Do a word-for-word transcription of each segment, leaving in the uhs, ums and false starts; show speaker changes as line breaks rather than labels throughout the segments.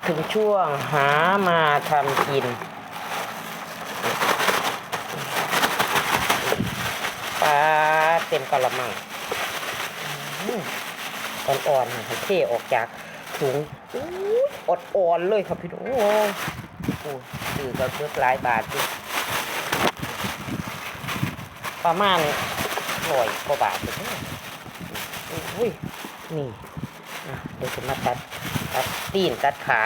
ถึงช่วงหามาทำกินปลาเต็มกะละมังอ่อนๆให้เทออกจากถุงอดอ่อนเลยครับพี่น้องโอ้ซื้อก็เกือบหลายบาทอยู่ประมาณร้อยกว่าบาทเลยอุ้ยนี่เดี๋ยวจะมาตัดตัดตีนตัดขา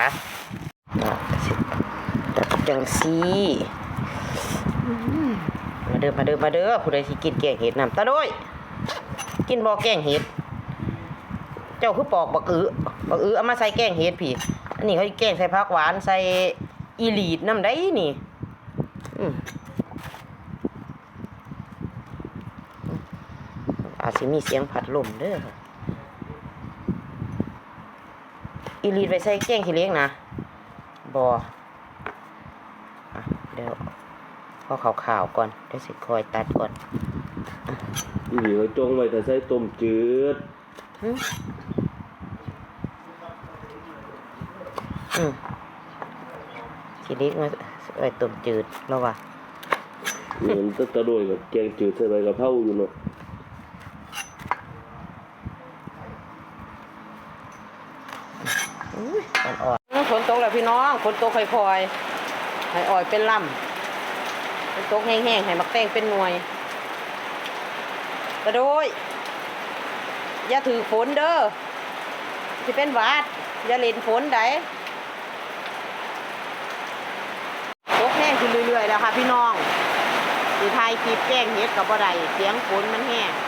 ตัดจังซีมาเด้อมาเด้อมาเด้อผู้ใดสิกินแกงเห็ดน้ำตาด้วยกินบ่แกงเห็ดเจ้าคือปอกบักอื้อบักอื้อเอามาใส่แกงเห็ดพี่อันนี้เขาแกงใส่ผักหวานใส่อีหลีดน้ำได้นี่อาจจะมีเสียงผัดลมเด้ออีลีดไปใส่แกงขี้เล็กนะบอเดี๋ยวพอขาวๆก่อนเดี๋ยวสิคอยตัดก่อน
อีหลีเขาจงไว้แต่ใส่ต้มจืด
อืมขี้เล็กมาไว้ต้มจืดแล้ววะ
เหมือนตะตะโดยกับแกงจืดใส่ใบกะเพราอยู่เนาะ
อ่อนๆฝนตกแล้วพี่น้องฝนตกค่อยๆให้อ่อยเป็นลำฝนตกแห้งๆให้มักแตงเป็นหน่วยกระโดยอย่าถือฝนเด้อที่เป็นหวัดอย่าเล่นฝนได้ตกแห้งขึ้นเรื่อยๆแล้วค่ะพี่น้องสีไทยคลิปแกงเห็ดกับบ่ได้เสียงฝนมันแห้ง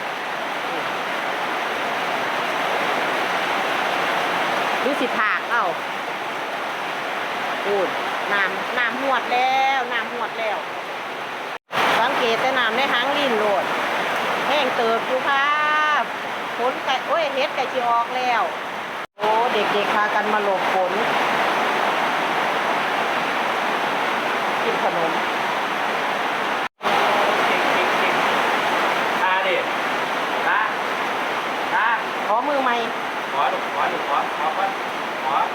หรือสิผากเอ้าพูดน้ำน้ำหวดแล้วน้ำหวดแล้วสังเกตแต่น้ำในหางลิ้นโหลดแห้งเติบอยู่ค่ะฝนไก่โอ้ยเห็ดไก่ชีออกแล้วโอ้เด็กๆพากันมาหลบฝนกินขนม
ตาดิตาตา
ขอมือใหม่
ขอดูขอดูขอขอก่อนขอ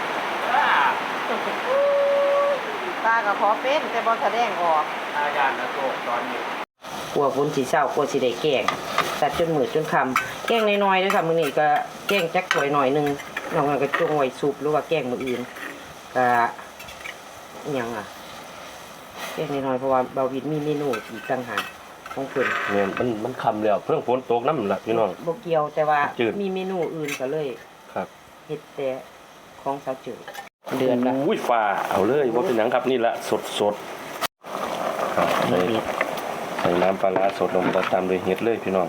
ตากับขอเป็นแต่บอแสดงออก
อาจารย์นะโตตอนนี้
กลัวฝนสีเศร้ากลัวสีได้แกงตัดจนมืดจนคำแกงน้อยๆด้วยค่ะมือนี้ก็แกงจักถวยหน่อยนึงนอกนั้นก็จงไว้ซุปหรือว่าแกงมืออื่นก็ยังอ่ะแกงน้อยๆเพราะว่าเบาวินมีเมนูอีกต่างหากของเพิ่น
เนี่ยมันมันคำแล้วเพิ่งฝนตกน้ำละพี่น้อง
บ่เกี่ยวแต่ว่ามีเมนูอื่นก็เลย
ครับ
เฮ็ดแต่ของสาวจืดเดือนละ
อุ้ยฟ้าเอาเลยว่าเป็นหนังครับนี่ละสดสดครับใส่ใส่น้ำปลาร้าสดลงไปตามด้วยเห็ดเลยพี่น้อง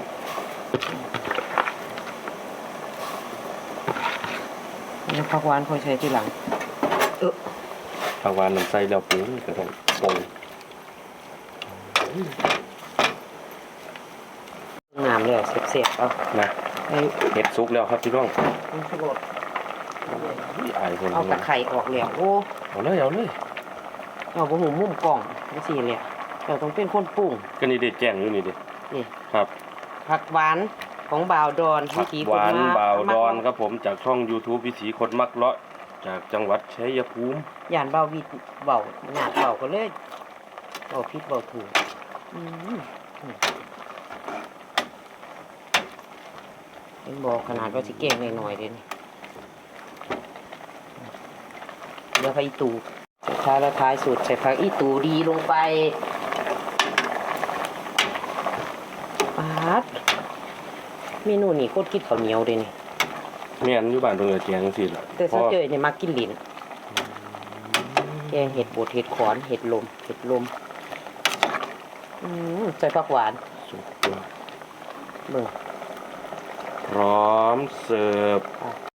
แล้วผักหวานค่อยใช้ทีหลังเออ
ผักหวานน้ำใส่แล้วปุ๋ยก็ต้องปรุง
น้ำเลยเสียบๆเอา
นะเห็ดซุกแล้วครับพี่น้อง
เอาตะไคร้ออกแล้วโอ้
เอาเลยเอาเลย
เอาบะหมี่มุมกล่องไม่สี่เลยเราต้องเป็นคนปรุง
ก็นี่เด็ดแจ้งอยู่นี่ดิ
นี่
ครับ
ผักหวานของบ่าวดอน
ผักหวานบ่าวดอนครับผมจากช่อง YouTube วิถีคนมักเลาะจากจังหวัดชัยภูมิ
ย่านบ่าววิทเบาหนาเบาก็เลยเบาพิษเบาถูกเป็นบอกขนาดว่าสิเก่งหน่อยๆเลยนี่เดี๋ยวไปอีตูสุดท้ายแล้วท้ายสุดใส่ผักอีตูดีลงไปปาดเมนูนี้โคตรกินข้าวเหนียวเลยนี่
แม่นอยู่บ้านตรงเออแจงสิล่ะ
แต่ถ้าเจอเนี่ยมากินลิ้นแกงเห็ดบดเห็ดขอนเห็ดลมเห็ดลมใส่ผักหวาน
สุดยอด
เบิ่ง
พร้อมเสิร์ฟ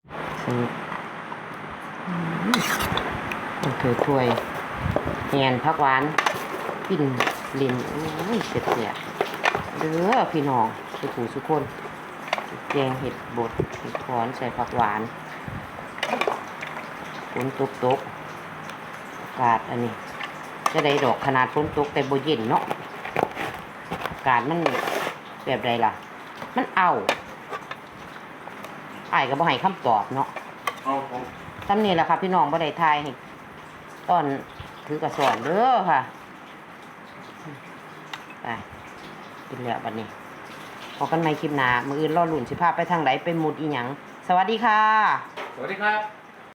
ถือถ้วยแงนผักหวานกินลิ้นอุ้ยเสียบเสียเด้อพี่น้องสุขุสุขคนแกงเห็ดบดเห็ดขอนใส่ผักหวานฝนตกตกอากาศอันนี้จะได้ดอกขนาดฝนตกแต่บ่เย็นเนาะอากาศมันแบบใดล่ะมันเอาอ้ายก็บ่ให้คำตอบเนาะ
เอา
ตำนี้แหละค่ะพี่น้องบ่ได้ทายให้ตอนถือกระสอนเด้อค่ะไปกินแล้วบัดนี้พอกันใหม่คลิปหน้ามื้ออื่นรอลุ้นสิพาไปทางไหนไปหมุดอีหยังสวัสดีค่ะ
สวัสดีครับ